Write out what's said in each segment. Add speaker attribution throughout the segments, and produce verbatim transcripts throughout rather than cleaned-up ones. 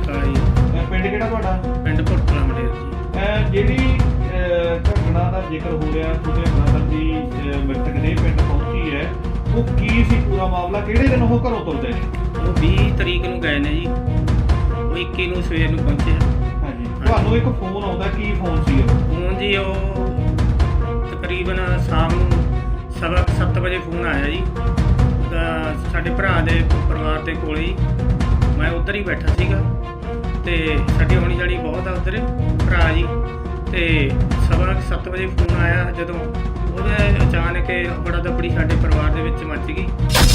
Speaker 1: ਕਾਲਾ ਜੀ।
Speaker 2: ਅਹ ਪਿੰਡ ਕਿਹੜਾ ਤੁਹਾਡਾ?
Speaker 1: ਪਿੰਡ ਭੁਰਥਲਾ ਮੰਡੇਰ ਜੀ।
Speaker 2: ਅਹ ਜਿਹੜੀ ਅਹ ਘਟਨਾ ਦਾ ਜ਼ਿਕਰ ਹੋ ਰਿਹਾ ਤੁਹਾਡੇ ਬ੍ਰਦਰ ਦੀ ਅਹ ਮ੍ਰਿਤਕ ਦੇ ਪਿੰਡ ਪਹੁੰਚੀ ਹੈ, ਉਹ ਕੀ ਸੀ ਪੂਰਾ ਮਾਮਲਾ? ਕਿਹੜੇ ਦਿਨ ਉਹ ਘਰੋਂ ਤੁਰਦੇ ਨੇ?
Speaker 1: ਉਹ ਵੀਹ ਤਰੀਕ ਨੂੰ ਗਏ ਨੇ ਜੀ, ਉਹ ਇੱਕੀ ਨੂੰ ਸਵੇਰ ਨੂੰ ਪਹੁੰਚੇ ਆ।
Speaker 2: ਹਾਂਜੀ, ਤੁਹਾਨੂੰ ਇੱਕ ਫੋਨ ਆਉਂਦਾ, ਕੀ ਫੋਨ ਸੀ ਉਹ?
Speaker 1: ਫੋਨ ਜੀ ਉਹ ਤਕਰੀਬਨ ਸ਼ਾਮ ਨੂੰ ਸਵਾ ਕੁ ਸੱਤ ਵਜੇ ਫੋਨ ਆਇਆ ਜੀ। ਤਾਂ ਸਾਡੇ ਭਰਾ ਦੇ ਪਰਿਵਾਰ ਦੇ ਕੋਲੇ ਹੀ ਮੈਂ ਉੱਧਰ ਹੀ ਬੈਠਾ ਸੀਗਾ ਤੇ ਸਾਡੀ ਹੋਣੀ ਜਾਣੀ ਬਹੁਤ ਆ ਉੱਧਰ ਭਰਾ ਜੀ। ਤੇ ਸਵਾ ਕੁ ਸੱਤ ਵਜੇ ਫੋਨ ਆਇਆ, ਜਦੋਂ ਉਹਦੇ ਅਚਾਨਕ ਬੜਾ ਦਬੜੀ ਸਾਡੇ ਪਰਿਵਾਰ ਦੇ ਵਿੱਚ ਮੱਚ ਗਈ।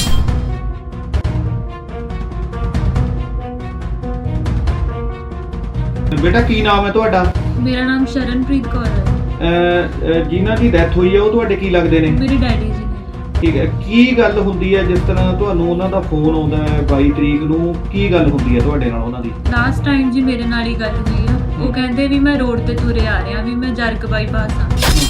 Speaker 2: ਬੇਟਾ ਕੀ ਨਾਮ ਹੈ ਤੁਹਾਡਾ?
Speaker 3: ਮੇਰਾ ਨਾਮ ਸ਼ਰਨਪ੍ਰੀਤ ਕੌਰ ਹੈ।
Speaker 2: ਅਹ ਅਹ ਜਿਨ੍ਹਾਂ ਦੀ ਡੈਥ ਹੋਈ ਹੈ ਉਹ ਤੁਹਾਡੇ ਕੀ ਲੱਗਦੇ ਨੇ?
Speaker 3: ਮੇਰੇ ਡੈਡੀ ਜੀ ਨੇ।
Speaker 2: ਠੀਕ ਹੈ, ਕੀ ਗੱਲ ਹੁੰਦੀ ਹੈ ਜਿਸ ਤਰ੍ਹਾਂ ਤੁਹਾਨੂੰ ਉਹਨਾਂ ਦਾ ਫੋਨ ਆਉਂਦਾ ਹੈ ਬਾਈ ਤਰੀਕ ਨੂੰ? ਕੀ ਗੱਲ ਹੁੰਦੀ ਹੈ ਤੁਹਾਡੇ ਨਾਲ ਉਹਨਾਂ ਦੀ?
Speaker 3: ਲਾਸਟ ਟਾਈਮ ਜੀ ਮੇਰੇ ਨਾਲ ਹੀ ਗੱਲ ਹੋਈ ਆ। ਉਹ ਕਹਿੰਦੇ ਵੀ ਮੈਂ ਰੋਡ ਤੇ ਤੁਰੇ ਆ ਰਿਹਾ, ਵੀ ਮੈਂ ਜਰਗ ਬਾਈਪਾਸ ਆ।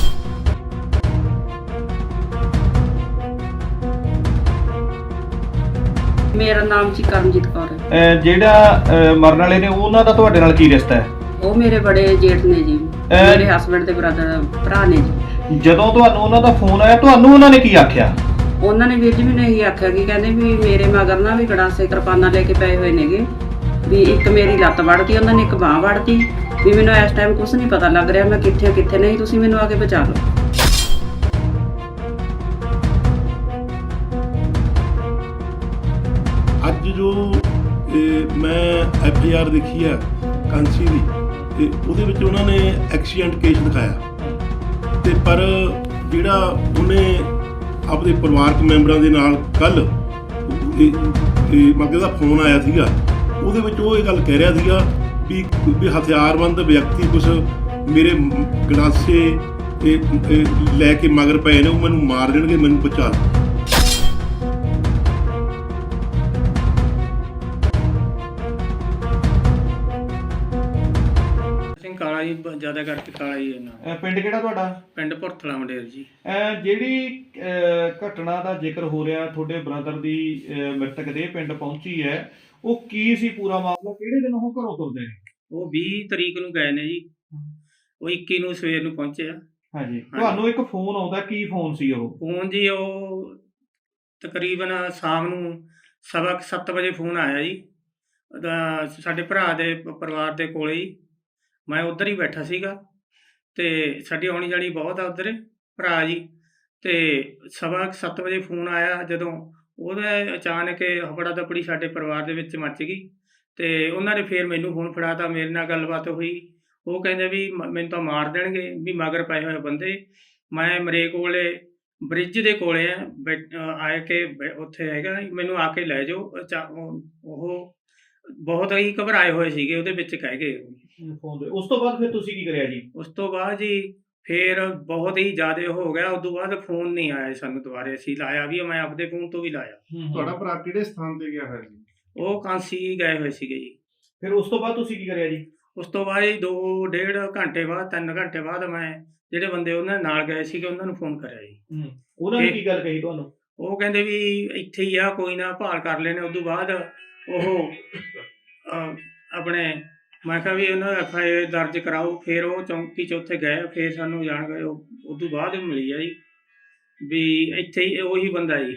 Speaker 4: ਮੇਰਾ ਨਾਮ ਜੀ ਕਰਮਜੀਤ ਕੌਰ ਹੈ।
Speaker 2: ਅਹ ਜਿਹੜਾ ਅਹ ਮਰਨ ਵਾਲੇ ਨੇ ਉਹਨਾਂ ਦਾ ਤੁਹਾਡੇ ਨਾਲ ਕੀ ਰਿਸ਼ਤਾ ਹੈ?
Speaker 4: ਉਹ ਮੇਰੇ ਬੜੇ ਜੇਠ ਨੇ ਜੀ, ਮੇਰੇ ਹਸਬੰਡ ਦੇ ਬ੍ਰਦਰ ਭਰਾ ਨੇ ਜੀ।
Speaker 2: ਜਦੋਂ ਤੁਹਾਨੂੰ ਉਹਨਾਂ ਦਾ ਫੋਨ ਆਇਆ, ਤੁਹਾਨੂੰ ਉਹਨਾਂ ਨੇ ਕੀ ਆਖਿਆ?
Speaker 4: ਉਹਨਾਂ ਨੇ ਵੀਰ ਜੀ ਮੈਨੂੰ ਇਹੀ ਆਖਿਆ ਕਿ ਕਹਿੰਦੇ ਵੀ ਮੇਰੇ ਮਗਰ ਨਾ ਵੀ ਗੜਾਸੇ ਕਿਰਪਾਨਾਂ ਲੈ ਕੇ ਪਏ ਹੋਏ ਨੇਗੇ, ਵੀ ਇੱਕ ਮੇਰੀ ਲੱਤ ਵੜਤੀ, ਉਹਨਾਂ ਨੇ ਇੱਕ ਬਾਂਹ ਵੜਤੀ, ਵੀ ਮੈਨੂੰ ਇਸ ਟਾਈਮ ਕੁਝ ਨਹੀਂ ਪਤਾ ਲੱਗ ਰਿਹਾ ਮੈਂ ਕਿੱਥੇ ਕਿੱਥੇ ਨਹੀਂ, ਤੁਸੀਂ ਮੈਨੂੰ ਆ ਕੇ ਬਚਾ ਲਓ।
Speaker 5: ਅੱਜ ਜੋ ਇਹ ਮੈਂ ਐਫ ਆਈ ਆਰ ਦੇਖੀ ਆ ਕਾਂਸੀ ਦੀ, ਤੇ ਉਹਦੇ ਵਿੱਚ ਉਹਨਾਂ ਨੇ ਐਕਸੀਡੈਂਟ ਕੇਸ ਦਿਖਾਇਆ, ਤੇ ਪਰ ਜਿਹੜਾ ਉਹਨੇ ਆਪਣੇ ਪਰਿਵਾਰਕ ਮੈਂਬਰਾਂ ਦੇ ਨਾਲ ਕੱਲ ਮੱਗੇ ਦਾ ਫੋਨ ਆਇਆ ਸੀਗਾ, ਉਹਦੇ ਵਿੱਚ ਉਹ ਇਹ ਗੱਲ ਕਹਿ ਰਿਹਾ ਸੀਗਾ ਵੀ ਵੀ ਹਥਿਆਰਬੰਦ ਵਿਅਕਤੀ ਕੁਛ ਮੇਰੇ ਗੜਾਸੇ ਇਹ- ਇਹ ਲੈ ਕੇ ਮਗਰ ਪਏ ਨੇ, ਉਹ ਮੈਨੂੰ ਮਾਰ ਦੇਣਗੇ, ਮੈਨੂੰ ਬਚਾ ਲਓ।
Speaker 1: ਸਿੰਘ ਕਾਲਾ ਜੀ, ਬ- ਜ਼ਿਆਦਾ ਕਰਕੇ ਕਾਲਾ ਜੀ ਇਹਨਾਂ
Speaker 2: ਅਹ ਪਿੰਡ ਕਿਹੜਾ ਤੁਹਾਡਾ?
Speaker 1: ਪਿੰਡ ਭੁਰਥਲਾ ਮੰਡੇਰ ਜੀ।
Speaker 2: ਅਹ ਜਿਹੜੀ ਅਹ ਘਟਨਾ ਦਾ ਜ਼ਿਕਰ ਹੋ ਰਿਹਾ ਤੁਹਾਡੇ ਬ੍ਰਦਰ ਦੀ ਅਹ ਮ੍ਰਿਤਕ ਦੇ ਪਿੰਡ ਪਹੁੰਚੀ ਹੈ, ਉਹ ਕੀ ਸੀ ਪੂਰਾ ਮਾਮਲਾ? ਕਿਹੜੇ ਦਿਨ ਉਹ ਘਰੋਂ ਤੁਰਦੇ ਨੇ?
Speaker 1: ਉਹ ਵੀਹ ਤਰੀਕ ਨੂੰ ਗਏ ਨੇ ਜੀ, ਉਹ ਇੱਕੀ ਨੂੰ ਸਵੇਰ ਨੂੰ ਪਹੁੰਚੇ ਆ।
Speaker 2: ਹਾਂਜੀ, ਤੁਹਾਨੂੰ ਇੱਕ ਫੋਨ ਆਉਂਦਾ, ਕੀ ਫੋਨ ਸੀ ਉਹ?
Speaker 1: ਫੋਨ ਜੀ ਉਹ ਤਕਰੀਬਨ ਸ਼ਾਮ ਨੂੰ ਸਵਾ ਕੁ ਸੱਤ ਵਜੇ ਫੋਨ ਆਇਆ ਜੀ। ਤਾਂ ਸਾਡੇ ਭਰਾ ਦੇ ਪ- ਪਰਿਵਾਰ ਦੇ ਕੋਲੇ ਹੀ ਮੈਂ ਉੱਧਰ ਹੀ ਬੈਠਾ ਸੀਗਾ ਤੇ ਸਾਡੀ ਹੋਣੀ ਜਾਣੀ ਬਹੁਤ ਆ ਉੱਧਰ ਭਰਾ ਜੀ। ਤੇ ਸਵਾ ਕੁ ਸੱਤ ਵਜੇ ਫੋਨ ਆਇਆ, ਜਦੋਂ ਉਹਦੇ ਅਚਾਨਕ ਹਫੜਾ ਦਪੜੀ ਸਾਡੇ ਪਰਿਵਾਰ ਦੇ ਵਿੱਚ ਮੱਚ ਗਈ। ਤੇ ਉਹਨਾਂ ਨੇ ਫਿਰ ਮੈਨੂੰ ਫੋਨ ਫੜਾਤਾ, ਮੇਰੇ ਨਾਲ ਗੱਲਬਾਤ ਹੋਈ। ਉਹ ਕਹਿੰਦੇ ਵੀ ਮ- ਮੈਨੂੰ ਤਾਂ ਮਾਰ ਦੇਣਗੇ, ਵੀ ਮਗਰ ਪਏ ਹੋਏ ਬੰਦੇ। ਮੈਂ ਮਰੇ ਕੋਲੇ ਬ੍ਰਿਜ ਦੇ ਕੋਲੇ ਆ ਬੈ- ਅਹ ਆਏ ਕੇ ਬੈ- ਉੱਥੇ ਹੈਗਾ, ਮੈਨੂੰ ਆ ਕੇ ਲੈ ਜਾਓ। ਅਚਾ- ਉਹ ਉਹ ਬਹੁਤ ਹੀ ਘਬਰਾਏ ਹੋਏ ਸੀਗੇ, ਉਹਦੇ ਵਿੱਚ ਕਹਿ ਗਏ।
Speaker 2: ਫੋਨ ਦੇ ਉਸ ਤੋਂ ਬਾਅਦ ਫਿਰ ਤੁਸੀਂ ਕੀ ਕਰਿਆ ਜੀ?
Speaker 1: ਉਸ ਤੋਂ ਬਾਅਦ ਜੀ ਫਿਰ ਬਹੁਤ ਹੀ ਜ਼ਿਆਦਾ ਹੋ ਗਿਆ। ਉਸ ਤੋਂ ਬਾਅਦ ਫੋਨ ਨਹੀਂ ਆਇਆ ਜੀ ਸਾਨੂੰ ਦੁਬਾਰੇ। ਅਸੀਂ ਲਾਇਆ ਵੀ, ਮੈਂ ਆਪਦੇ ਫੋਨ ਤੋਂ ਵੀ ਲਾਇਆ।
Speaker 5: ਤੁਹਾਡਾ ਭਰਾ ਕਿਹੜੇ ਸਥਾਨ ਤੇ ਗਿਆ ਹੋਇਆ ਸੀ?
Speaker 1: ਉਹ ਕਾਂਸੀ ਗਏ ਹੋਏ ਸੀਗੇ ਜੀ।
Speaker 2: ਫਿਰ ਉਸ ਤੋਂ ਬਾਅਦ ਤੁਸੀਂ ਕੀ ਕਰਿਆ ਜੀ?
Speaker 1: ਉਸ ਤੋਂ ਬਾਅਦ ਜੀ ਦੋ ਡੇਢ ਘੰਟੇ ਬਾਅਦ, ਤਿੰਨ ਘੰਟੇ ਬਾਅਦ ਮੈਂ ਜਿਹੜੇ ਬੰਦੇ ਉਹਨਾਂ ਨਾਲ ਗਏ ਸੀਗੇ ਉਹਨਾਂ ਨੂੰ ਫੋਨ ਕਰਿਆ ਜੀ।
Speaker 2: ਉਹਨਾਂ ਨੇ
Speaker 1: ਇਹ-
Speaker 2: ਕੀ ਗੱਲ ਕਹੀ ਤੁਹਾਨੂੰ?
Speaker 1: ਉਹ ਕਹਿੰਦੇ ਵੀ ਇੱਥੇ ਹੀ ਆ, ਕੋਈ ਨਾ, ਭਾਲ ਕਰ ਲੈਣੇ। ਉਸ ਤੋਂ ਬਾਅਦ ਉਹ ਅਹ, ਆਪਣੇ ਮੈਂ ਕਿਹਾ ਵੀ ਉਹਨਾਂ ਐਫ ਆਈ ਆਰ ਦਰਜ ਕਰਾਓ। ਫਿਰ ਉਹ ਚੌਂਕੀ 'ਚ ਉੱਥੇ ਗਏ, ਫਿਰ ਸਾਨੂੰ ਜਾਣ ਗਏ। ਉਹ ਉਸ ਤੋਂ ਬਾਅਦ ਮਿਲੀ ਆ ਜੀ ਵੀ ਇੱਥੇ ਹੀ ਉਹੀ ਬੰਦਾ ਜੀ।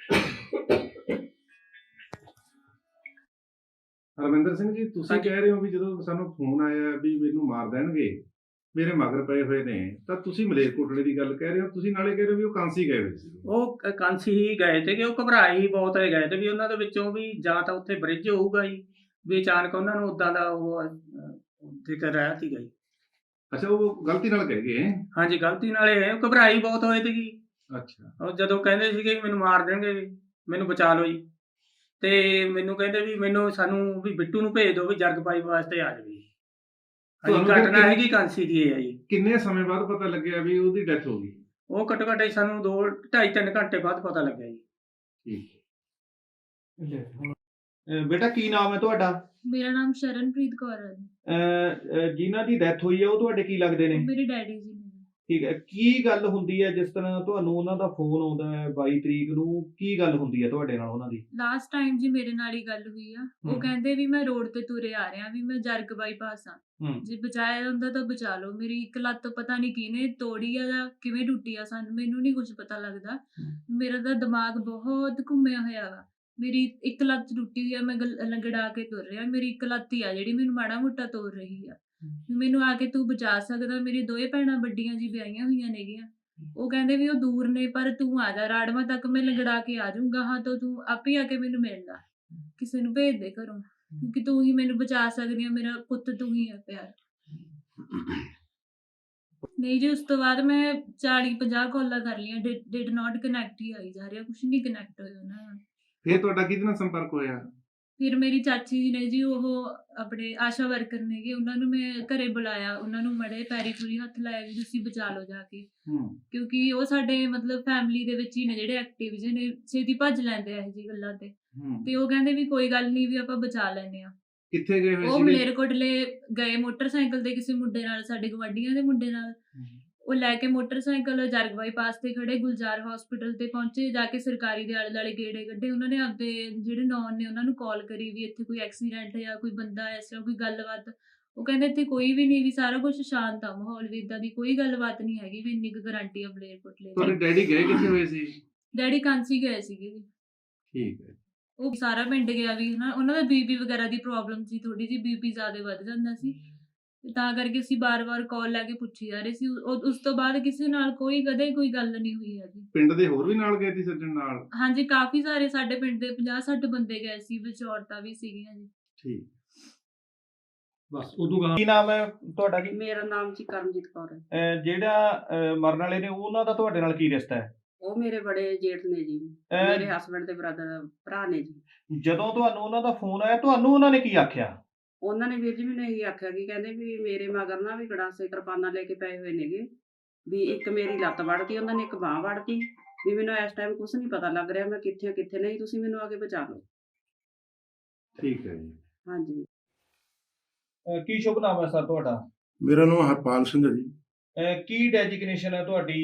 Speaker 5: ਹਰਵਿੰਦਰ ਸਿੰਘ ਜੀ, ਤੁਸੀਂ ਕਹਿ ਰਹੇ ਹੋ ਵੀ ਜਦੋਂ ਸਾਨੂੰ ਫੋਨ ਆਇਆ ਵੀ ਮੈਨੂੰ ਮਾਰ ਦੇਣਗੇ, ਮੇਰੇ ਮਗਰ ਪਏ ਹੋਏ ਨੇ, ਤਾਂ ਤੁਸੀਂ ਮਲੇਰਕੋਟਲੇ ਦੀ ਗੱਲ ਕਹਿ ਰਹੇ ਹੋ, ਤੁਸੀਂ ਨਾਲੇ ਕਹਿ ਰਹੇ ਹੋ ਵੀ ਉਹ ਕਾਂਸੀ ਗਏ ਹੋਏ ਸੀ।
Speaker 1: ਉਹ ਕ- ਕਾਂਸੀ ਹੀ ਗਏ ਤੇ ਕਿ ਉਹ ਘਬਰਾਏ ਹੀ ਬਹੁਤ ਹੋਏ ਗਏ ਤੇ ਵੀ ਉਹਨਾਂ ਦੇ ਵਿੱਚੋਂ ਵੀ ਜਾਂ ਤਾਂ ਉੱਥੇ ਬ੍ਰਿਜ ਹੋਊਗਾ ਜੀ, ਵੀ ਅਚਾਨਕ ਉਹਨਾਂ ਨੂੰ ਉਦਾਂ ਦਾ ਉਹ ਅਹ, ਜ਼ਿਕਰ ਆਇਆ ਸੀਗਾ ਜੀ।
Speaker 5: ਅੱਛਾ, ਉਹ ਗਲਤੀ ਨਾਲ ਕਹਿ ਗਏ।
Speaker 1: ਹਾਂਜੀ, ਗਲਤੀ ਨਾਲ ਇਹ ਉਹ ਘਬਰਾਈ ਬਹੁਤ ਹੋਏ ਸੀਗੀ।
Speaker 5: ਅੱਛਾ,
Speaker 1: ਉਹ ਜਦੋਂ ਕਹਿੰਦੇ ਸੀਗੇ ਵੀ ਮੈਨੂੰ ਮਾਰ ਦੇਣਗੇ, ਵੀ ਮੈਨੂੰ ਬਚਾ ਲਓ ਜੀ। ਤੇ ਮੈਨੂੰ ਕਹਿੰਦੇ ਵੀ ਮੈਨੂੰ ਸਾਨੂੰ ਵੀ ਬਿੱਟੂ ਨੂੰ ਭੇਜ ਦਿਓ, ਵੀ ਜਰਗ ਪਾਈ ਵਾਸਤੇ ਆ ਜਾਵੇ। ਹਾਂਜੀ,
Speaker 5: ਤੁਹਾਨੂੰ ਫਿਰ
Speaker 1: ਘਟਨਾ
Speaker 5: ਕਿੰਨੇ-
Speaker 1: ਹੈਗੀ ਕਾਂਸੀ ਦੀ ਇਹ ਆ ਜੀ।
Speaker 5: ਕਿੰਨੇ ਸਮੇਂ ਬਾਅਦ ਪਤਾ ਲੱਗਿਆ ਵੀ ਉਹਦੀ ਡੈਥ ਹੋ ਗਈ?
Speaker 1: ਉਹ ਘੱਟੋ ਘੱਟ ਸਾਨੂੰ ਦੋ ਢਾਈ ਤਿੰਨ ਘੰਟੇ ਬਾਅਦ ਪਤਾ ਲੱਗਿਆ ਜੀ।
Speaker 5: ਠੀਕ।
Speaker 2: ਅਹ ਬੇਟਾ ਕੀ ਨਾਮ ਹੈ ਤੁਹਾਡਾ?
Speaker 3: ਮੇਰਾ ਨਾਮ ਸ਼ਰਨਪ੍ਰੀਤ ਕੌਰ ਹੈ।
Speaker 2: ਅਹ ਅਹ ਜਿਨ੍ਹਾਂ ਦੀ ਡੈਥ ਹੋਈ ਹੈ ਉਹ ਤੁਹਾਡੇ ਕੀ ਲੱਗਦੇ ਨੇ?
Speaker 3: ਮੇਰੇ ਡੈਡੀ ਜੀ ਨੇ।
Speaker 2: ਠੀਕ ਹੈ, ਕੀ ਗੱਲ ਹੁੰਦੀ ਹੈ ਜਿਸ ਤਰ੍ਹਾਂ ਤੁਹਾਨੂੰ ਉਹਨਾਂ ਦਾ ਫੋਨ ਆਉਂਦਾ ਹੈ ਬਾਈ ਤਰੀਕ ਨੂੰ, ਕੀ ਗੱਲ ਹੁੰਦੀ ਹੈ ਤੁਹਾਡੇ ਨਾਲ ਉਹਨਾਂ ਦੀ?
Speaker 3: ਲਾਸਟ ਟਾਈਮ ਜੀ ਮੇਰੇ ਨਾਲ ਹੀ ਗੱਲ ਹੋਈ ਆ। ਉਹ
Speaker 2: ਹਮ।
Speaker 3: ਕਹਿੰਦੇ ਵੀ ਮੈਂ ਰੋਡ ਤੇ ਤੁਰੇ ਆ ਰਿਹਾ, ਵੀ ਮੈਂ ਜਰਗ ਬਾਈਪਾਸ ਆ,
Speaker 2: ਹੂੰ
Speaker 3: ਜੇ ਬਚਾਇਆ ਹੁੰਦਾ ਤਾਂ ਬਚਾ ਲਓ। ਮੇਰੀ ਇੱਕ ਲੱਤ ਪਤਾ ਨਹੀਂ ਕਿਹਨੇ ਤੋੜੀ ਆ ਜਾਂ ਕਿਵੇਂ ਟੁੱਟੀ ਆ, ਸਾਨੂੰ ਮੈਨੂੰ ਨਹੀਂ ਕੁਝ ਪਤਾ ਲੱਗਦਾ। ਮੇਰਾ ਤਾਂ ਦਿਮਾਗ ਬਹੁਤ ਘੁੰਮਿਆ ਹੋਇਆ ਵਾ। ਮੇਰੀ ਇੱਕ ਲੱਤ ਟੁੱਟੀ ਹੋਈ ਆ, ਮੈਂ ਗਲ- ਲੰਗੜਾ ਕੇ ਤੁਰ ਰਿਹਾ। ਮੇਰੀ ਇੱਕ ਲੱਤ ਹੀ ਆ ਜਿਹੜੀ ਮੈਨੂੰ ਮਾੜਾ ਮੋਟਾ ਤੋੜ ਰਹੀ ਆ। ਵੀ ਮੈਨੂੰ ਆ ਕੇ ਤੂੰ ਬਚਾ ਸਕਦਾ। ਮੇਰੀ ਦੋਏ ਭੈਣਾਂ ਵੱਡੀਆਂ ਜੀ ਵਿਆਹੀਆਂ ਹੋਈਆਂ ਨੇਗੀਆਂ। ਉਹ ਕਹਿੰਦੇ ਵੀ ਉਹ ਦੂਰ ਨੇ, ਪਰ ਤੂੰ ਆ ਜਾ ਰਾੜਵਾ ਤੱਕ, ਮੈਂ ਲੰਗੜਾ ਕੇ ਆ ਜਾਊਂਗਾ। ਹਾਂ ਤਾਂ ਤੂੰ ਆਪੇ ਆ ਕੇ ਮੈਨੂੰ ਮਿਲ ਲਾ, ਕਿਸੇ ਨੂੰ ਭੇਜ ਦੇ ਘਰੋਂ, ਕਿਉਂਕਿ ਤੂੰ ਹੀ ਮੈਨੂੰ ਬਚਾ ਸਕਦੀ ਆ। ਮੇਰਾ ਪੁੱਤ ਤੂੰ ਹੀ ਆ ਪਿਆਰ। ਨਹੀਂ ਜੀ, ਉਸ ਤੋਂ ਬਾਅਦ ਮੈਂ ਚਾਲੀ ਪੰਜਾਹ ਕਾਲਾਂ ਕਰ ਲਈਆਂ, ਡਿਡ ਨਾਟ ਕਨੈਕਟ ਹੀ ਆਈ ਜਾ ਰਿਹਾ, ਕੁਛ ਨਹੀਂ ਕਨੈਕਟ ਹੋਇਆ ਉਹਨਾਂ ਨਾਲ।
Speaker 6: ਫਿਰ ਤੁਹਾਡਾ ਕਿਹਦੇ ਨਾਲ ਸੰਪਰਕ ਹੋਇਆ?
Speaker 3: ਫਿਰ ਮੇਰੀ ਚਾਚੀ ਜੀ ਨੇ ਜੀ, ਉਹ ਆਪਣੇ ਆਸ਼ਾ ਵਰਕਰ ਨੇਗੇ, ਉਹਨਾਂ ਨੂੰ ਮੈਂ ਘਰੇ ਬੁਲਾਇਆ, ਉਹਨਾਂ ਨੂੰ ਮੜੇ ਪੈਰੀ ਪੂਰੀ ਹੱਥ ਲਾਇਆ ਵੀ ਤੁਸੀਂ ਬਚਾ ਲਓ ਜਾ ਕੇ,
Speaker 2: ਹੂੰ
Speaker 3: ਕਿਉਂਕਿ ਉਹ ਸਾਡੇ ਮਤਲਬ ਫੈਮਿਲੀ ਦੇ ਵਿੱਚ ਹੀ ਨੇ ਜਿਹੜੇ ਐਕਟਿਵ ਜਿਹੇ ਨੇ, ਛੇਤੀ ਭੱਜ ਲੈਂਦੇ ਆ ਇਹ ਜੀ ਗੱਲਾਂ ਤੇ।
Speaker 2: ਹੂੰ
Speaker 3: ਤੇ ਉਹ ਕਹਿੰਦੇ ਵੀ ਕੋਈ ਗੱਲ ਨਹੀਂ, ਵੀ ਆਪਾਂ ਬਚਾ ਲੈਂਦੇ ਆ।
Speaker 6: ਕਿੱਥੇ ਗਏ ਹੋਏ
Speaker 3: ਉਹ
Speaker 6: ਸੀਗੇ?
Speaker 3: ਮਲੇਰਕੋਟਲੇ ਗਏ ਮੋਟਰਸਾਈਕਲ ਤੇ ਕਿਸੇ ਮੁੰਡੇ ਨਾਲ, ਸਾਡੇ ਗਵਾਂਢੀਆਂ ਦੇ ਮੁੰਡੇ ਨਾਲ। ਉਹ ਲੈ ਕੇ ਮੋਟਰਸਾਈਕਲ ਜਰਗ ਬਾਈਪਾਸ ਤੇ ਖੜੇ, ਗੁਲਜ਼ਾਰ ਹਸਪੀਟਲ ਤੇ ਪਹੁੰਚੇ, ਜਾ ਕੇ ਸਰਕਾਰੀ ਦੇ ਆਲੇ ਦੁਆਲੇ ਗੇੜੇ ਕੱਢੇ। ਉਹਨਾਂ ਨੇ ਆਪਦੇ ਜਿਹੜੇ ਨੌਨ ਨੇ ਉਹਨਾਂ ਨੂੰ ਕਾਲ ਕਰੀ ਵੀ ਇੱਥੇ ਕੋਈ ਐਕਸੀਡੈਂਟ ਜਾਂ ਕੋਈ ਬੰਦਾ ਇਸ ਤਰ੍ਹਾਂ ਕੋਈ ਗੱਲਬਾਤ। ਉਹ ਕਹਿੰਦੇ ਇੱਥੇ ਕੋਈ ਵੀ ਨਹੀਂ, ਵੀ ਸਾਰਾ ਕੁਝ ਸ਼ਾਂਤ ਆ ਮਾਹੌਲ, ਵੀ ਇਦਾਂ ਦੀ ਕੋਈ ਗੱਲਬਾਤ ਨਹੀਂ ਹੈਗੀ, ਵੀ ਇੰਨੀ ਕੁ ਗਾਰੰਟੀ ਆ ਮਲੇਰਕੋਟਲੇ
Speaker 6: ਤੁਹਾਡੇ
Speaker 3: ਦੀ।
Speaker 6: ਡੈਡੀ ਗਏ ਕਿੱਥੇ ਹੋਏ ਸੀ?
Speaker 3: ਡੈਡੀ ਕਾਂਸੀ ਗਏ ਸੀਗੇ ਜੀ।
Speaker 6: ਠੀਕ ਹੈ।
Speaker 3: ਉਹ ਸਾਰਾ ਪਿੰਡ ਗਿਆ ਵੀ ਹਨਾ, ਉਹਨਾਂ ਦਾ ਬੀਪੀ ਵਗੈਰਾ ਦੀ ਪ੍ਰੋਬਲਮ ਸੀ, ਥੋੜੀ ਜਿਹੀ ਬੀਪੀ ਜ਼ਿਆਦਾ ਵੱਧ ਜਾਂਦਾ ਸੀ, ਤੇ ਤਾਂ ਕਰਕੇ ਅਸੀਂ ਬਾਰ-ਬਾਰ ਕਾਲ ਲੈ ਕੇ ਪੁੱਛੀ ਜਾ ਰਹੇ ਸੀ। ਉਹ- ਉਸ ਤੋਂ ਬਾਅਦ ਕਿਸੇ ਨਾਲ ਕੋਈ ਕਦੇ ਕੋਈ ਗੱਲ ਨਹੀਂ ਹੋਈ ਹੈਗੀ।
Speaker 6: ਪਿੰਡ ਦੇ ਹੋਰ ਵੀ ਨਾਲ ਗਏ ਸੀ ਸੱਜਣ ਨਾਲ?
Speaker 3: ਹਾਂਜੀ, ਕਾਫੀ ਸਾਰੇ ਸਾਡੇ ਪਿੰਡ ਦੇ ਪੰਜਾਹ ਸੱਠ ਬੰਦੇ ਗਏ ਸੀ, ਵਿੱਚ ਔਰਤਾਂ ਵੀ ਸੀਗੀਆਂ ਜੀ।
Speaker 6: ਠੀਕ।
Speaker 2: ਬਸ ਉਦੋਂ ਕੀ ਨਾਮ ਹੈ ਤੁਹਾਡਾ? ਕੀ
Speaker 4: ਮੇਰਾ ਨਾਮ ਜੀ ਕਰਮਜੀਤ ਕੌਰ ਹੈ।
Speaker 2: ਅਹ ਜਿਹੜਾ ਅਹ ਮਰਨ ਵਾਲੇ ਨੇ ਉਹਨਾਂ ਦਾ ਤੁਹਾਡੇ ਨਾਲ ਕੀ ਰਿਸ਼ਤਾ ਹੈ?
Speaker 4: ਉਹ ਮੇਰੇ ਬੜੇ ਜੇਠ ਨੇ ਜੀ,
Speaker 2: ਅਹ
Speaker 4: ਮੇਰੇ ਹਸਬੰਡ ਦੇ ਬ੍ਰਦਰ ਭਰਾ ਨੇ ਜੀ।
Speaker 2: ਜਦੋਂ ਤੁਹਾਨੂੰ ਉਹਨਾਂ ਦਾ ਫੋਨ ਆਇਆ, ਤੁਹਾਨੂੰ ਉਹਨਾਂ ਨੇ ਕੀ ਆਖਿਆ?
Speaker 4: ਉਹਨਾਂ ਨੇ ਵੀਰ ਜੀ ਮੈਨੂੰ ਇਹੀ ਆਖਿਆ ਕਿ ਕਹਿੰਦੇ ਵੀ ਮੇਰੇ ਮਗਰ ਨਾ ਵੀ ਗੜਾਸੇ ਕਿਰਪਾਨਾਂ ਲੈ ਕੇ ਪਏ ਹੋਏ ਨੇਗੇ, ਵੀ ਇੱਕ ਮੇਰੀ ਲੱਤ ਵੜਤੀ, ਉਹਨਾਂ ਨੇ ਇੱਕ ਬਾਂਹ ਵੜਤੀ, ਵੀ ਮੈਨੂੰ ਇਸ ਟਾਈਮ ਕੁਝ ਨਹੀਂ ਪਤਾ ਲੱਗ ਰਿਹਾ, ਮੈਂ ਕਿੱਥੇ ਹਾਂ, ਕਿੱਥੇ ਨਹੀਂ, ਤੁਸੀਂ ਮੈਨੂੰ ਆ ਕੇ ਬਚਾ ਲਓ।
Speaker 6: ਠੀਕ ਹੈ ਜੀ।
Speaker 4: ਹਾਂਜੀ।
Speaker 2: ਅਹ ਕੀ ਸ਼ੁਭ ਨਾਮ ਹੈ ਸਰ ਤੁਹਾਡਾ?
Speaker 5: ਮੇਰਾ ਨਾਮ ਹਰਪਾਲ ਸਿੰਘ ਹੈ ਜੀ।
Speaker 2: ਅਹ ਕੀ ਡੈਜਿਗਨੇਸ਼ਨ ਹੈ ਤੁਹਾਡੀ?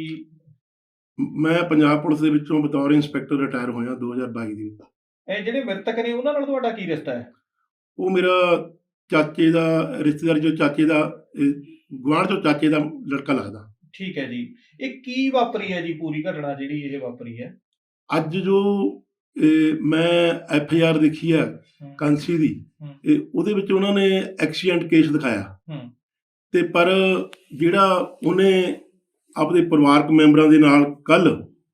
Speaker 5: ਮੈਂ ਪੰਜਾਬ ਪੁਲਿਸ ਦੇ ਵਿੱਚੋਂ ਬਤੌਰ ਇੰਸਪੈਕਟਰ ਰਿਟਾਇਰ ਹੋਇਆ ਦੋ ਹਜ਼ਾਰ ਬਾਈ ਦੇ ਵਿੱਚ।
Speaker 2: ਇਹ ਜਿਹੜੇ ਮ੍ਰਿਤਕ ਨੇ ਉਹਨਾਂ ਨਾਲ ਤੁਹਾਡਾ ਕੀ ਰਿਸ਼ਤਾ ਹੈ?
Speaker 5: ਉਹ ਮੇਰਾ ਚਾਚੇ ਦਾ ਰਿਸ਼ਤੇਦਾਰ, ਜੋ ਚਾਚੇ ਦਾ ਗੁਆਂਢ ਚੋਂ ਚਾਚੇ ਦਾ ਲੜਕਾ ਲੱਗਦਾ।
Speaker 2: ਠੀਕ ਹੈ ਜੀ। ਇਹ ਕੀ ਵਾਪਰੀ ਹੈ ਜੀ ਪੂਰੀ ਘਟਨਾ ਜਿਹੜੀ ਇਹ ਵਾਪਰੀ ਹੈ?
Speaker 5: ਅੱਜ ਜੋ ਇਹ, ਮੈਂ ਐਫ ਆਈ ਆਰ ਦੇਖੀ ਆ ਕਾਂਸੀ ਦੀ,
Speaker 2: ਹੂੰ।
Speaker 5: ਇਹ ਉਹਦੇ ਵਿੱਚ ਉਹਨਾਂ ਨੇ ਐਕਸੀਡੈਂਟ ਕੇਸ ਦਿਖਾਇਆ,
Speaker 2: ਹੂੰ।
Speaker 5: ਤੇ ਪਰ ਜਿਹੜਾ ਉਹਨੇ ਆਪਣੇ ਪਰਿਵਾਰਕ ਮੈਂਬਰਾਂ ਦੇ ਨਾਲ ਕੱਲ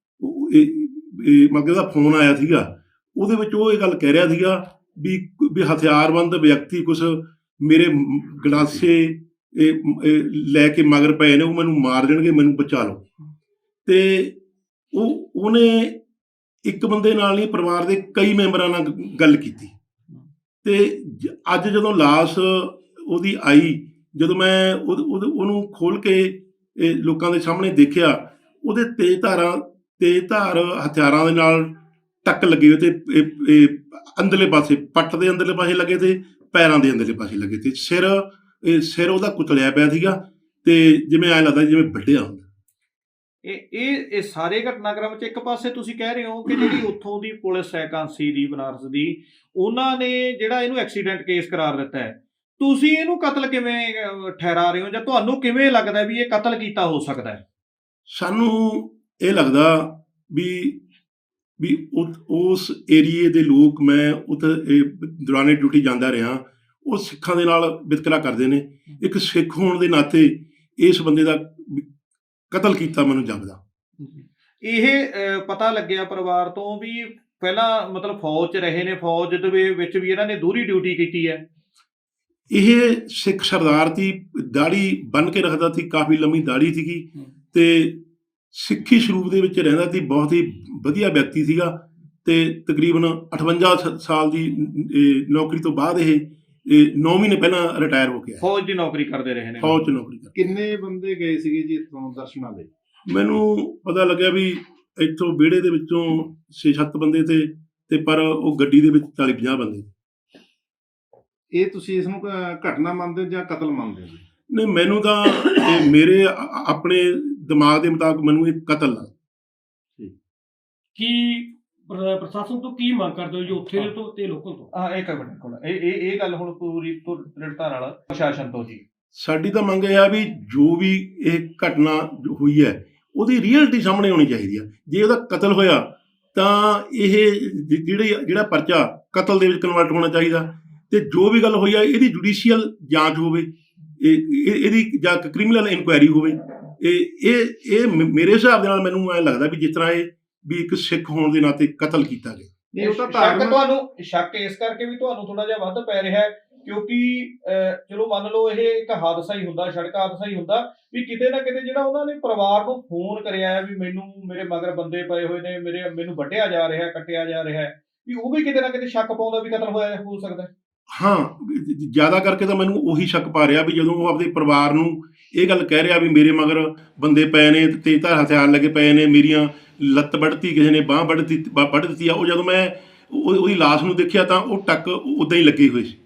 Speaker 5: ਮਤਲਬ ਉਹਦਾ ਫੋਨ ਆਇਆ ਸੀਗਾ, ਉਹਦੇ ਵਿੱਚ ਉਹ ਇਹ ਗੱਲ ਕਹਿ ਰਿਹਾ ਸੀਗਾ ਵੀ ਵੀ ਹਥਿਆਰਬੰਦ ਵਿਅਕਤੀ ਕੁਛ ਮੇਰੇ ਮ- ਗੰਡਾਸੇ ਇਹ ਇਹ ਲੈ ਕੇ ਮਗਰ ਪਏ ਨੇ, ਉਹ ਮੈਨੂੰ ਮਾਰ ਦੇਣਗੇ, ਮੈਨੂੰ ਬਚਾ ਲਓ। ਤੇ ਉਹ ਉਹਨੇ ਇੱਕ ਬੰਦੇ ਨਾਲ ਨਹੀਂ, ਪਰਿਵਾਰ ਦੇ ਕਈ ਮੈਂਬਰਾਂ ਨਾਲ ਗ- ਗੱਲ ਕੀਤੀ। ਤੇ ਜ- ਅੱਜ ਜਦੋਂ ਲਾਸ਼ ਉਹਦੀ ਆਈ, ਜਦੋਂ ਮੈਂ ਉਹ- ਉਹਦੇ- ਉਹਨੂੰ ਖੋਲ ਕੇ ਇਹ ਲੋਕਾਂ ਦੇ ਸਾਹਮਣੇ ਦੇਖਿਆ, ਉਹਦੇ ਤੇਜ਼ ਧਾਰਾਂ ਤੇਜ਼ ਧਾਰ ਹਥਿਆਰਾਂ ਦੇ ਨਾਲ ਟੱਕ ਲੱਗੇ ਹੋਏ ਤੇ ਇਹ- ਇਹ ਅੰਦਰਲੇ ਪਾਸੇ, ਪੱਟ ਦੇ ਅੰਦਰਲੇ ਪਾਸੇ ਲੱਗੇ ਤੇ ਪੈਰਾਂ ਦੇ ਅੰਦਰਲੇ ਪਾਸੇ ਲੱਗੇ ਤੇ ਸਿਰ ਇਹ ਸਿਰ ਉਹਦਾ ਕੁਚਲਿਆ ਪਿਆ ਸੀਗਾ, ਤੇ ਜਿਵੇਂ ਐਂ ਲੱਗਦਾ ਜਿਵੇਂ ਵੱਢਿਆ ਹੁੰਦਾ।
Speaker 2: ਇਹ ਇਹ ਇਹ ਸਾਰੇ ਘਟਨਾਕ੍ਰਮ ਚ ਇੱਕ ਪਾਸੇ ਤੁਸੀਂ ਕਹਿ ਰਹੇ ਹੋ ਕਿ ਜਿਹੜੀ ਉੱਥੋਂ ਦੀ ਪੁਲਿਸ ਹੈ ਕਾਂਸੀ ਦੀ, ਬਨਾਰਸ ਦੀ, ਉਹਨਾਂ ਨੇ ਜਿਹੜਾ ਇਹਨੂੰ ਐਕਸੀਡੈਂਟ ਕੇਸ ਕਰਾਰ ਦਿੱਤਾ ਹੈ, ਤੁਸੀਂ ਇਹਨੂੰ ਕਤਲ ਕਿਵੇਂ ਅਹ, ਠਹਿਰਾ ਰਹੇ ਹੋ, ਜਾਂ ਤੁਹਾਨੂੰ ਕਿਵੇਂ ਲੱਗਦਾ ਵੀ ਇਹ ਕਤਲ ਕੀਤਾ ਹੋ ਸਕਦਾ ਹੈ?
Speaker 5: ਸਾਨੂੰ ਇਹ ਲੱਗਦਾ ਵੀ ਵੀ ਉ- ਉਸ ਏਰੀਏ ਦੇ ਲੋਕ, ਮੈਂ ਉੱਥੇ ਇਹ ਦੌਰਾਨੇ ਡਿਊਟੀ ਜਾਂਦਾ ਰਿਹਾ, ਉਹ ਸਿੱਖਾਂ ਦੇ ਨਾਲ ਵਿਤਕਰਾ ਕਰਦੇ ਨੇ। ਇੱਕ ਸਿੱਖ ਹੋਣ ਦੇ ਨਾਤੇ ਇਸ ਬੰਦੇ ਦਾ ਕਤਲ ਕੀਤਾ ਮੈਨੂੰ ਜਾਪਦਾ।
Speaker 2: ਇਹ ਅਹ, ਪਤਾ ਲੱਗਿਆ ਪਰਿਵਾਰ ਤੋਂ ਵੀ ਪਹਿਲਾਂ ਮਤਲਬ ਫੌਜ 'ਚ ਰਹੇ ਨੇ, ਫੌਜ ਦੇ ਵਿੱਚ ਵੀ ਇਹਨਾਂ ਨੇ ਦੂਰੀ ਡਿਊਟੀ ਕੀਤੀ ਹੈ।
Speaker 5: ਇਹ ਸਿੱਖ ਸਰਦਾਰ ਦੀ ਦਾੜੀ ਬੰਨ੍ਹ ਕੇ ਰੱਖਦਾ ਸੀ, ਕਾਫੀ ਲੰਮੀ ਦਾੜੀ ਸੀਗੀ, ਤੇ ਸਿੱਖੀ ਸਰੂਪ ਦੇ ਵਿੱਚ ਰਹਿੰਦਾ ਸੀ, ਬਹੁਤ ਹੀ ਵਧੀਆ ਵਿਅਕਤੀ ਸੀਗਾ। ਤੇ ਤਕਰੀਬਨ ਅਠਵੰਜਾ ਸ- ਸਾਲ ਦੀ ਇਹ, ਨੌਕਰੀ ਤੋਂ ਬਾਅਦ ਇਹ ਇਹ ਨੌ ਮਹੀਨੇ ਪਹਿਲਾਂ ਰਿਟਾਇਰ ਹੋ ਗਿਆ,
Speaker 2: ਫੌਜ ਦੀ ਨੌਕਰੀ ਕਰਦੇ ਰਹੇ ਨੇ।
Speaker 5: ਫੌਜ 'ਚ ਨੌਕਰੀ ਕਰ।
Speaker 6: ਕਿੰਨੇ ਬੰਦੇ ਗਏ ਸੀਗੇ ਜੀ ਇੱਥੋਂ ਦਰਸ਼ਨਾਂ ਲਈ?
Speaker 5: ਮੈਨੂੰ ਪਤਾ ਲੱਗਿਆ ਵੀ ਇੱਥੋਂ ਵਿਹੜੇ ਦੇ ਵਿੱਚੋਂ ਛੇ ਸੱਤ ਬੰਦੇ ਤੇ ਤੇ ਪਰ ਉਹ ਗੱਡੀ ਦੇ ਵਿੱਚ ਚਾਲੀ ਪੰਜਾਹ ਬੰਦੇ।
Speaker 6: ਇਹ ਤੁਸੀਂ ਇਸ ਨੂੰ ਕ- ਘਟਨਾ ਮੰਨਦੇ ਹੋ ਜਾਂ ਕਤਲ ਮੰਨਦੇ ਹੋ ਜੀ?
Speaker 5: ਨਹੀਂ, ਮੈਨੂੰ ਤਾਂ ਇਹ ਮੇਰੇ ਆ- ਆਪਣੇ ਦਿਮਾਗ ਦੇ ਮੁਤਾਬਕ ਮੈਨੂੰ ਇਹ ਕਤਲ ਆ।
Speaker 7: ਕੀ ਪ੍ਰ- ਪ੍ਰਸ਼ਾਸਨ ਤੋਂ ਕੀ ਮੰਗ ਕਰਦੇ ਹੋ ਜੀ, ਉੱਥੇ ਦੇ ਤੋਂ ਤੇ ਲੋਕਲ ਤੋਂ?
Speaker 2: ਹਾਂ ਇੱਕ ਮਿੰਟ ਕੋਲ ਇਹ ਇਹ ਇਹ ਗੱਲ ਹੁਣ ਪੂਰੀ ਦ੍ਰਿੜਤਾ ਨਾਲ ਪ੍ਰਸ਼ਾਸਨ ਤੋਂ ਜੀ।
Speaker 5: ਸਾਡੀ ਤਾਂ ਮੰਗ ਇਹ ਆ ਵੀ ਜੋ ਵੀ ਇਹ ਘਟਨਾ ਜੋ ਹੋਈ ਹੈ ਉਹਦੀ ਰੀਅਲਟੀ ਸਾਹਮਣੇ ਆਉਣੀ ਚਾਹੀਦੀ ਆ। ਜੇ ਉਹਦਾ ਕਤਲ ਹੋਇਆ ਤਾਂ ਇਹ ਜ- ਜਿਹੜੀ ਜਿਹੜਾ ਪਰਚਾ ਕਤਲ ਦੇ ਵਿੱਚ ਕਨਵਰਟ ਹੋਣਾ ਚਾਹੀਦਾ, ਤੇ ਜੋ ਵੀ ਗੱਲ ਹੋਈ ਆ ਇਹਦੀ ਜੁਡੀਸ਼ੀਅਲ ਜਾਂਚ ਹੋਵੇ, ਇਹ ਇਹ- ਇਹਦੀ ਜਾਂ ਕ੍ਰਿਮੀਨਲ ਇਨਕੁਆਇਰੀ ਹੋਵੇ। ਇਹ ਇਹ ਇਹ ਮ- ਮੇਰੇ ਹਿਸਾਬ ਦੇ ਨਾਲ ਮੈਨੂੰ ਐਂ ਲੱਗਦਾ ਵੀ ਜਿਸ ਤਰ੍ਹਾਂ ਇਹ ਵੀ ਇੱਕ ਸਿੱਖ ਹੋਣ ਦੇ ਨਾਤੇ ਕਤਲ ਕੀਤਾ ਗਿਆ।
Speaker 6: ਇਹ ਉਹ ਤਾਂ
Speaker 2: ਸ਼ੱਕ
Speaker 6: ਧਾਰਮਿਕ
Speaker 2: ਤੁਹਾਨੂੰ ਸ਼ੱਕ ਇਸ ਕਰਕੇ ਵੀ ਤੁਹਾਨੂੰ ਥੋੜਾ ਜਿਹਾ ਵੱਧ ਪੈ ਰਿਹਾ ਹੈ ਕਿਉਂਕਿ ਅਹ, ਚਲੋ ਮੰਨ ਲਓ ਇਹ ਇੱਕ ਹਾਦਸਾ ਹੀ ਹੁੰਦਾ, ਸੜਕ ਹਾਦਸਾ ਹੀ ਹੁੰਦਾ, ਵੀ ਕਿਤੇ ਨਾ ਕਿਤੇ ਜਿਹੜਾ ਉਹਨਾਂ ਨੇ ਪਰਿਵਾਰ ਨੂੰ ਫੋਨ ਕਰਿਆ ਹੈ ਵੀ ਮੈਨੂੰ ਮੇਰੇ ਮਗਰ ਬੰਦੇ ਪਏ ਹੋਏ ਨੇ, ਮੇਰੇ ਮੈਨੂੰ ਵੱਢਿਆ ਜਾ ਰਿਹਾ, ਕੱਟਿਆ ਜਾ ਰਿਹਾ, ਵੀ ਉਹ ਵੀ ਕਿਤੇ ਨਾ ਕਿਤੇ ਸ਼ੱਕ ਪਾਉਂਦਾ ਵੀ ਕਤਲ ਹੋਇਆ ਹੋ ਸਕਦਾ ਹੈ।
Speaker 5: ਹਾਂ, ਜ- ਜ਼ਿਆਦਾ ਕਰਕੇ ਤਾਂ ਮੈਨੂੰ ਉਹੀ ਸ਼ੱਕ ਪਾ ਰਿਹਾ ਵੀ ਜਦੋਂ ਉਹ ਆਪਦੇ ਪਰਿਵਾਰ ਨੂੰ ਇਹ ਗੱਲ ਕਹਿ ਰਿਹਾ ਵੀ ਮੇਰੇ ਮਗਰ ਬੰਦੇ ਪਏ ਨੇ, ਤੇਜ਼ਧਾਰ ਹਥਿਆਰ ਲੱਗੇ ਪਏ ਨੇ, ਮੇਰੀਆਂ ਲੱਤ ਵੱਢਤੀ, ਕਿਸੇ ਨੇ ਬਾਂਹ ਵੱਢ ਦਿੱਤੀ ਵੱਢ ਦਿੱਤੀ ਆ, ਉਹ ਜਦੋਂ ਮੈਂ ਉਹ- ਉਹਦੀ ਲਾਸ਼ ਨੂੰ ਦੇਖਿਆ ਤਾਂ ਉਹ ਟੱਕ ਉਦਾਂ ਹੀ ਲੱਗੇ ਹੋਏ ਸੀ।